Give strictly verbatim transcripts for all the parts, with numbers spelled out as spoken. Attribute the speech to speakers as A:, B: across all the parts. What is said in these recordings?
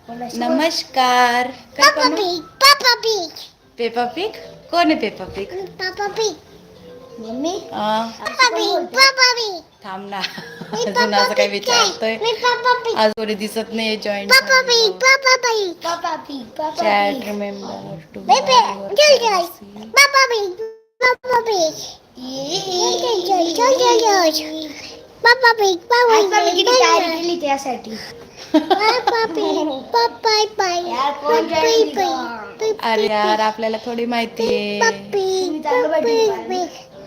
A: नमस्कार. काय
B: पापा
A: पण
B: Pig Papa Pig
A: Peppa Pig कोण आहे Peppa Pig?
B: Papa Pig
C: Mummy
B: Papa Pig Papa Pig
A: थांब ना.
B: मी
A: अजून
B: पापा
A: असं काही
B: पिग काय
A: विचारतोय.
B: मी पापा पिग
A: आज कोणी दिसत नाही join
B: Papa Pig Papa Pig
C: Papa Pig Papa
A: chat
C: Pig
A: remember to
B: बेबे चल चल पापा पिग पापा पिग चल चल चल चल चल पापा पिग पापा
C: आज पण मी किती तयारी
B: पिग
C: केली त्यासाठी.
B: पापा पिग पापा पाय
C: यार कोण जॉईन केली का?
A: अरे यार आपल्याला थोडी माहिती आहे.
C: तुम्ही चांगलं बैठे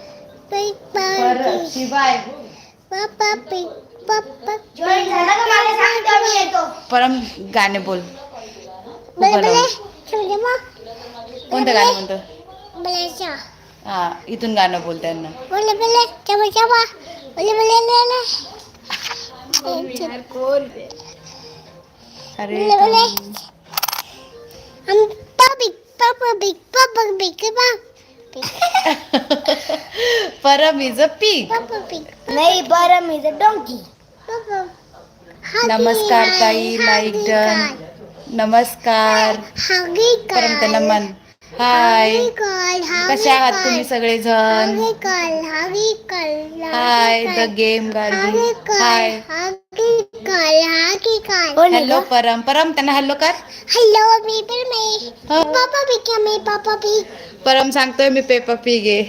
A: बरं शिवाय
B: पापा पिग पापा
C: जॉईन झाला का मला सांग तेव्हा मी येतो.
A: परम गाणे बोल.
B: बले
A: उभं
B: बले
A: राहून.
B: चल मग
A: कोणतं गाणं म्हणतो?
B: बलेचा
A: हा इथून गाणं बोल त्यांना.
B: बले बले चबा चबा बले बले ले ले
C: यार कोण ते?
A: अरे
B: बले बले
A: थांब.
B: Hmm Papa Pig Papa Pig Papa Pig
A: Param is a pig.
B: Papa Pig
C: नाही बरं मी तर डोंकी.
B: पापा
A: नमस्कार ताई लाईक डन. नमस्कार.
B: हागी
A: परम त्यांना
B: काल
A: मन हाय.
B: काल
A: कसे आहात तुम्ही सगळेजण?
B: हागी काल हागी काल
A: hi the game Gargi. Hi
B: हागी काल हागी काल
C: कोण आहे
A: हॅलो
C: गं?
A: परम. परम त्यांना हॅलो कर.
B: हेलो मी पण मी
A: हा.
B: पापा पिग क्या मी पापा पिग
A: परम सांगतोय मी पेपा पिग आहे.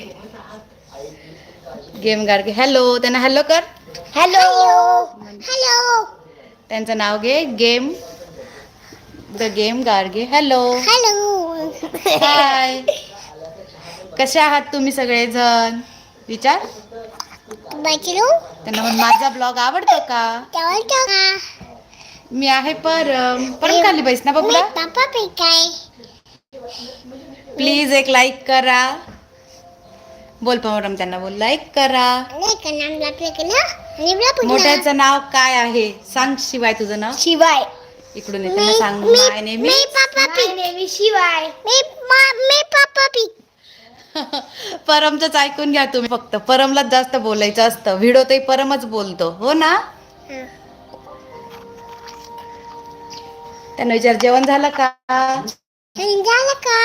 A: गेम गार्गी हॅलो त्यांना हॅलो कर.
C: हॅलो.
B: हेलो
A: त्यांचं नाव घे game the game Gargi. Hello
B: hello
A: hi. कसे आहात तुम्ही सगळेजण? विचार
B: बचलो
A: त्यांना म्हण माझा ब्लॉग आवडतो का?
B: चावल का
A: मी आहे परम. परम खाली बैस ना
B: मी
A: बबला.
B: पापा पिग काय
A: प्लीज एक लाईक करा. बोल परम त्यांना बोल लाईक करा.
B: नाही का नाम लागले का ना आणि बला पुन्हा
A: मोठ्याचं नाव काय आहे सांग. शिवाय तुझं नाव
C: शिवाय
A: इकडून ये त्यांना सांग. माय नेम
B: मी Papa
C: my
B: pig
C: name is Shivay.
B: मी मा- मी पापा पिग
A: परमचंच ऐकून घ्या तुम्ही फक्त. परमलाच जास्त बोलायचं असतं. व्हिडिओतही परमच बोलतो हो ना. त्यांना विचार जेवण झालं का?
B: झालं का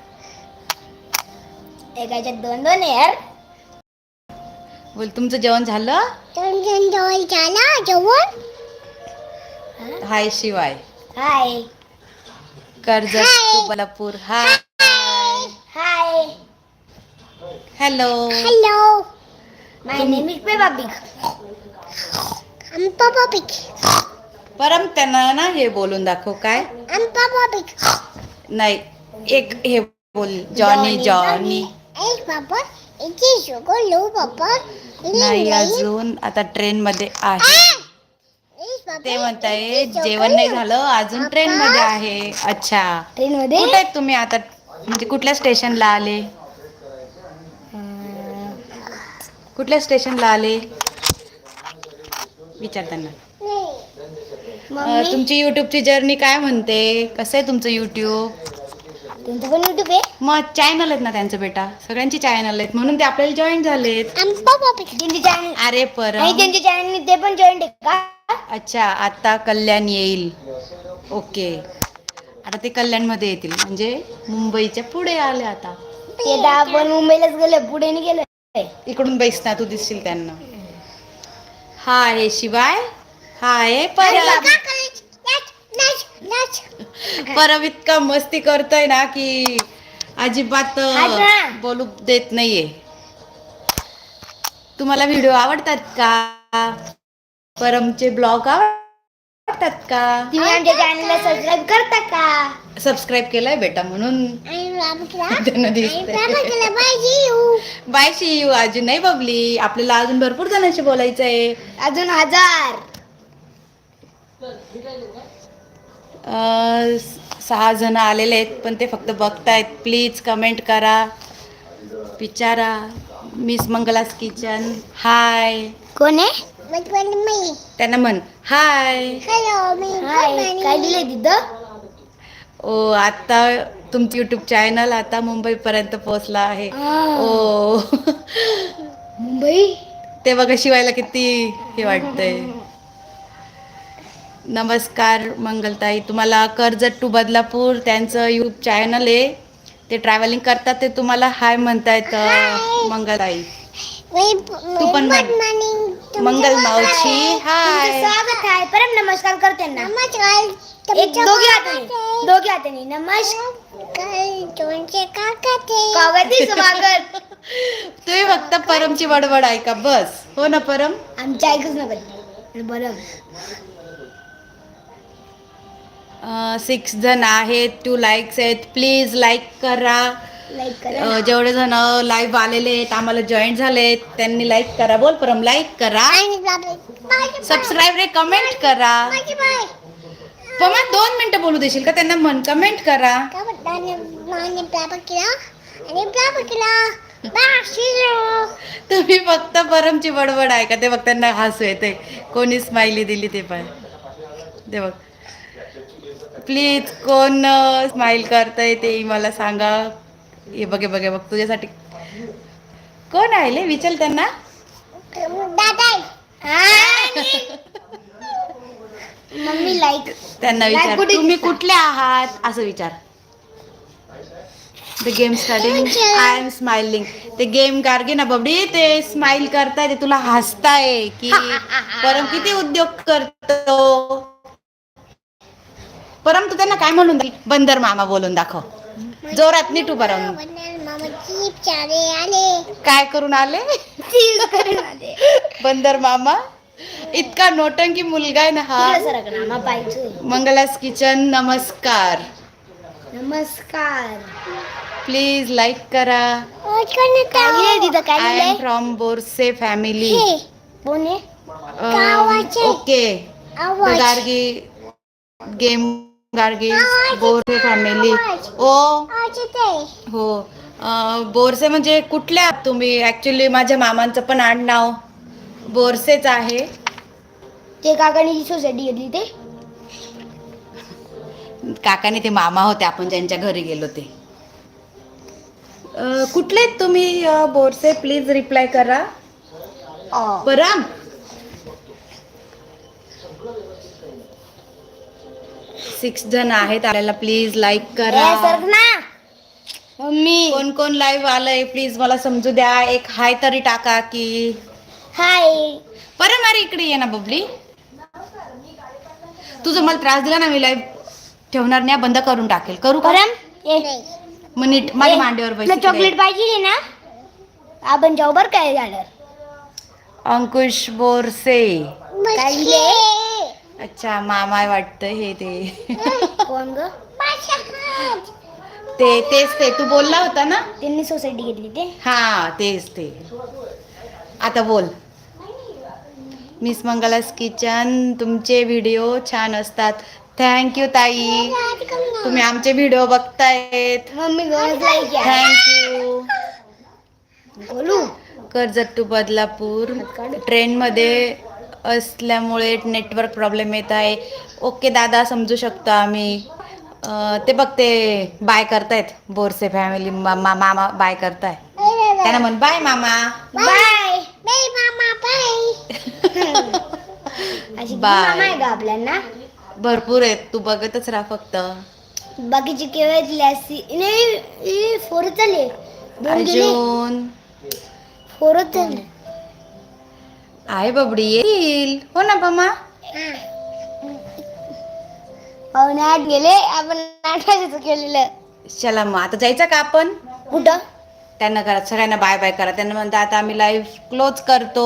C: एकाच्यात दोन दोन आहे यार.
A: बोल तुमचं जेवण झालं?
B: दोन जण जवळ झाला जेवण
A: hi Shivay
C: hi
A: Karjat
B: hi.
A: To Balapur. Hi
C: hi.
A: Hello.
B: Hello
C: my name is Peppa Pig.
B: हम पापा पिग
A: परम त्यांना ना हे बोलून दाखव. काय
B: हम पापा पिग
A: नाही एक हे बोल जॉनी जॉनी.
B: ए पापा इथे शुगर लो पापा
A: नाही अजून आता ट्रेन मध्ये आहे. ते म्हणताय जेवण नाही झालं अजून ट्रेन मध्ये आहे. अच्छा
C: ट्रेन मध्ये
A: कुठे आहेत तुम्ही आता? म्हणजे कुठल्या स्टेशनला आले? कुठल्या स्टेशनला आले विचार त्यांना. अं,
C: मम्मी
A: तुमची युट्यूबची जर्नी काय म्हणते? कसं आहे तुमचं युट्यूब?
C: तुमचं पण युट्यूब आहे?
A: मग चॅनल आहेत ना त्यांचं बेटा. सगळ्यांची चॅनल आहेत म्हणून ते आपल्याला जॉईन झालेत.
B: हम पापा पिग
C: त्यांची चॅनल
A: अरे
C: आणि
A: परम
C: त्यांच्या चॅनल ते पण जॉईन आहे का?
A: अच्छा आता कल्याण येईल. ओके आता ते कल्याणमध्ये येतील म्हणजे मुंबईच्या पुढे आले आता.
C: ते तर आपण मुंबईलाच गेले पुढे नाही गेले.
A: इकडून बैस ना तू दिसशील त्यांना. हा आहे शिवाय. हा आहे परम.
B: नाच नाच
A: परम इतका मस्ती करतोय ना की अजिबात
C: हा ना.
A: बोलू देत नाहीये. तुम्हाला व्हिडिओ आवडतात का? परमचे ब्लॉग आवडतात का?
C: तुम्ही आमच्या चॅनलला सबस्क्राईब करता का?
A: सबस्क्राईब केलाय बेटा म्हणून
B: आई बाबा केला
A: त्यांना
B: आई
A: दिसतंय.
B: बाबा केला बाई यू
A: बाय शी यू. अजून नाही बबली आपल्याला अजून भरपूर जणांशी बोलायचं आहे.
C: अजून हजार.
A: अं, सहा जण आलेले आहेत पण ते फक्त बघतायत. प्लीज कमेंट करा विचारा. Miss Mangala's Kitchen hi.
C: कोण आहे?
B: बचपन मी
A: त्यांना म्हण हाय.
B: हेलो मी
C: हाय काय दिलंय तिथं?
A: ओ आता तुमचं यूट्यूब चॅनल आता मुंबईपर्यंत पोहोचला आहे.
C: आ.
A: ओ
C: मुंबई
A: ते बघा शिवायला किती हे वाटतंय. नमस्कार मंगलताई, तुम्हाला कर्जत टू बदलापूर त्यांचं यूट्यूब चॅनल आहे, ते ट्रॅव्हलिंग करतात, ते तुम्हाला हाय म्हणतायत अं, मंगलताई.
B: तू
A: पण म्हण. मंगल मावशी हाय.
C: तुमचं स्वागत आहे. परम नमस्कार करते ना.
B: नमस्कार.
C: एक दोघी हाताने दोघी हाताने नमस्कार. कावती स्वागत.
A: तुम्ही फक्त परमची बडबड ऐका बस. हो ना परम?
C: आमच्या ऐकूच नका. बरं.
A: सिक्स जण आहेत, टू लाईक्स आहेत, प्लीज लाईक करा.
C: लाईक करा.
A: अं, जेवढे जण लाईव्ह आलेले आहेत, आम्हाला जॉईन झालेत, त्यांनी लाईक करा. बोल परम, लाईक करा, सबस्क्राईब रे, कमेंट करा. पमा दोन मिनिटं बोलू देशील का त्यांना? म्हण कमेंट करा. तुम्ही फक्त परमची बडबड ऐका, ते बघ त्यांना हसू येते. कोणी स्माइली दिली ते पण ते बघ. प्लीज कोण स्माइल करतंय ते मला सांगा. हे बघे बघे बघ तुझ्यासाठी कोण आले विचार त्यांना.
C: Mummy like.
A: त्यांना
C: Like
A: विचार
C: कुठे
A: तुम्ही
C: दिसता?
A: कुठले आहात असं विचार. The game starting I am smiling. ते गेम गार्गे ना बबडी, ते स्माइल करताय, ते तुला हसताय की परम किती उद्योग करतो. परम तू त्यांना काय म्हणून दे, बंदर मामा बोलून दाखव जोरात, नीट उभा राहून. काय करून आले? बंदर मामा. इतका नोटंकी मुलगा आहे ना हा.
C: मामा पाहिजे.
A: मंगलास किचन नमस्कार.
C: नमस्कार.
A: प्लीज लाईक करा.
C: काय लिहिलंय तिथं? काय
A: आय एम
C: लिहिलंय?
A: From Borse family.
C: कोण आहे?
A: Okay Gargi game Gargi Borse family. ओ हो. अं, बोरसे म्हणजे कुठल्या आहात तुम्ही? ऍक्च्युली माझ्या मामांचं पण आडनाव बोरसेच आहे.
C: ते काकाने जी सोसायटी घेतली ते
A: काकाने ते मामा होते, आपण ज्यांच्या घरी गेलो ते. अं, कुठले आहेत तुम्ही अं, बोरसे? प्लीज रिप्लाय करा. परम सिक्स जण आहेत आपल्याला, प्लीज लाईक करा.
C: सर ना मम्मी.
A: कोण कोण लाईव्ह आलंय प्लीज मला समजू द्या. एक हाय तरी टाका की.
C: हाय.
A: परम अरे इकडे ये ना बबली. तुझं मला त्रास दिला ना, मी लाईव्ह ठेवणार नाही, बंद करून टाकेल. करू का?
C: परम ये.
A: मग नीट माझ्या मांडीवर
C: तुला
A: बस.
C: चॉकलेट पाहिजे ना? आपण जाऊ बर काय झालं.
A: अंकुश बोरसे.
C: काय लिहिलंय?
A: अच्छा मामा वाटतं हे ते.
C: कोण ग?
A: ते तेच ते तू बोलला होता ना.
C: त्यांनी सोसायटी घेतली ते.
A: हा तेच ते. आता बोल. मिस मंगलास किचन, तुमचे व्हिडिओ छान असतात. थँक्यू ताई, तुम्ही आमचे व्हिडिओ बघतायत.
C: मम्मी दोनच लाईक आहे.
A: थँक्यू.
C: बोलू.
A: कर्जत टू बदलापूर ट्रेनमध्ये असल्यामुळे नेटवर्क प्रॉब्लेम येत आहे. ओके दादा, समजू शकतो आम्ही. अं, ते बघ ते बाय करतायत बोरसे फॅमिली. मामा मामा बाय करताय, त्यांना म्हण बाय मामा.
C: बाय.
A: Bye.
C: अशी मामा आहे का आपल्याला?
A: भरपूर आहेत, तू बघतच राहा फक्त.
C: बाकीची केवळ नाही फोरच झाले. दोन गेले.
A: अजून
C: फोरच झाले.
A: आहे बबडी येईल. हो ना मामा.
C: पाहुणे आठ गेले, आपण आठ वाजायचं केलेलं.
A: चला मग आता जायचं का आपण?
C: कुठं?
A: त्यांना करा, सगळ्यांना बाय बाय करा. त्यांना म्हणता आता आम्ही लाईव्ह क्लोज करतो.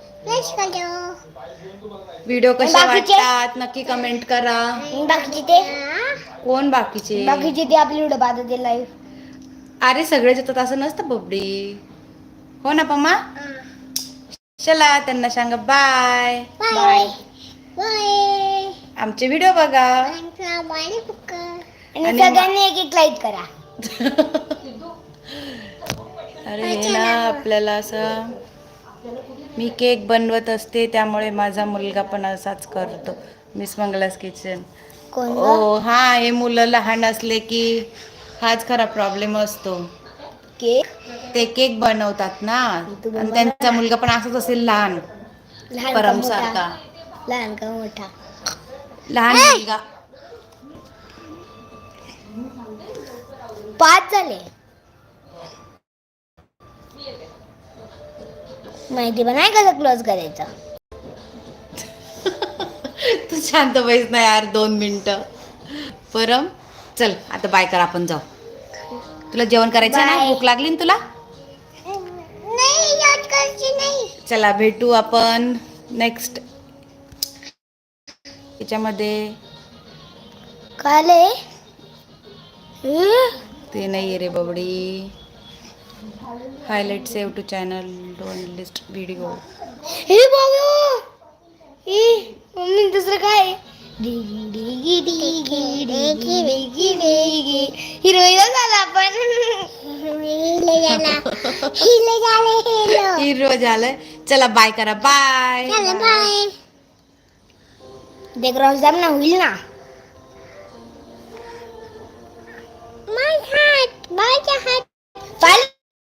A: व्हिडिओ कसे
C: बाकीचे?
A: वाटतात नक्की कमेंट करा.
C: बाकीचे ते
A: कोण बाकीचे?
C: बाकीचे ते आपली व्हिडिओ पाहतात ते लाईव्ह.
A: अरे सगळेच येतात असं नसतं बबडी. हो ना पम्मा. चला त्यांना सांगा बाय.
C: बाय.
A: आमचे व्हिडिओ बघा
C: आणि सगळ्यांनी एक एक लाईक करा.
A: अरे हे ना आपल्याला असं, मी केक बनवत असते त्यामुळे माझा मुलगा पण असाच करतो. Miss Mangala's Kitchen.
C: कोण ग?
A: ओ हा, हे मुलं लहान असले की हाच खरा प्रॉब्लेम असतो.
C: केक
A: ते केक बनवतात ना, आणि त्यांचा मुलगा पण असाच असेल लहान
C: लहान का
A: परम
C: मोठा?
A: सारखा.
C: लहान का मोठा?
A: लहान मुलगा.
C: पाच झाले. माहिती पण आहे कसं क्लोज करायचं.
A: तू शांत बैस ना यार दोन मिनिटं. परम चल आता बाय कर, आपण जाऊ. तुला जेवण करायचं आहे ना?
C: Bye.
A: भूक लागली ना तुला?
B: नाही याद करायची नाही.
A: चला भेटू आपण नेक्स्ट याच्यामध्ये.
C: काले
A: ते नाही आहे रे बबडी. Highlight save to channel don't list video.
C: हे बाबू हे मम्मी दुसरं काय डिगी डिगी डिगी डिगी डिगी डिगी हिरोईन झाला आपण.
B: हिला झाला हिला झालं हिला.
A: हिरो झालं. चला बाय करा. बाय
B: चला बाय.
C: ते क्रॉस दाब ना होईल ना.
B: माझा हात माझा हात